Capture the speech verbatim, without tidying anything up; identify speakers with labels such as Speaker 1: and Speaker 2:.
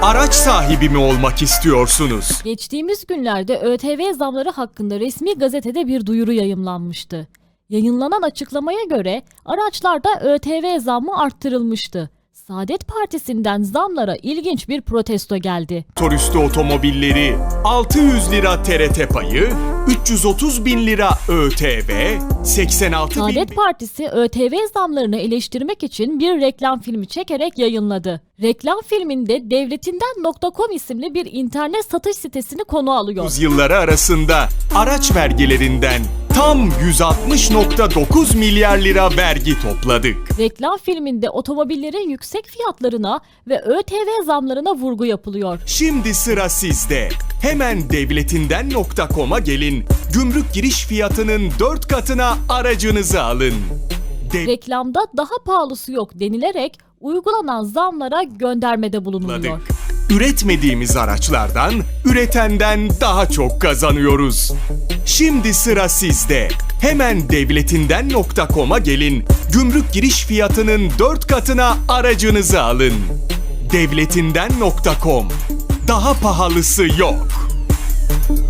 Speaker 1: Araç sahibi mi olmak istiyorsunuz?
Speaker 2: Geçtiğimiz günlerde ÖTV zamları hakkında resmi gazetede bir duyuru yayımlanmıştı. Yayınlanan açıklamaya göre araçlarda ÖTV zammı arttırılmıştı. Saadet Partisi'nden zamlara ilginç bir protesto geldi.
Speaker 1: Motorüstü otomobilleri altı yüz lira T R T payı, üç yüz otuz bin lira ÖTV, seksen altı bin...
Speaker 2: Saadet Partisi ÖTV zamlarını eleştirmek için bir reklam filmi çekerek yayınladı. Reklam filminde devletinden nokta com isimli bir internet satış sitesini konu alıyor.
Speaker 1: Yılları arasında araç vergilerinden tam yüz altmış nokta dokuz milyar lira vergi topladık.
Speaker 2: Reklam filminde otomobillerin yüksek fiyatlarına ve ÖTV zamlarına vurgu yapılıyor.
Speaker 1: Şimdi sıra sizde. Hemen devletinden nokta com'a gelin. Gümrük giriş fiyatının dört katına aracınızı alın. De-
Speaker 2: Reklamda daha pahalısı yok denilerek uygulanan zamlara göndermede bulunuluyor.
Speaker 1: Üretmediğimiz araçlardan, üretenden daha çok kazanıyoruz. Şimdi sıra sizde. Hemen devletinden nokta com'a gelin. Gümrük giriş fiyatının dört katına aracınızı alın. devletinden nokta com. Daha pahalısı yok.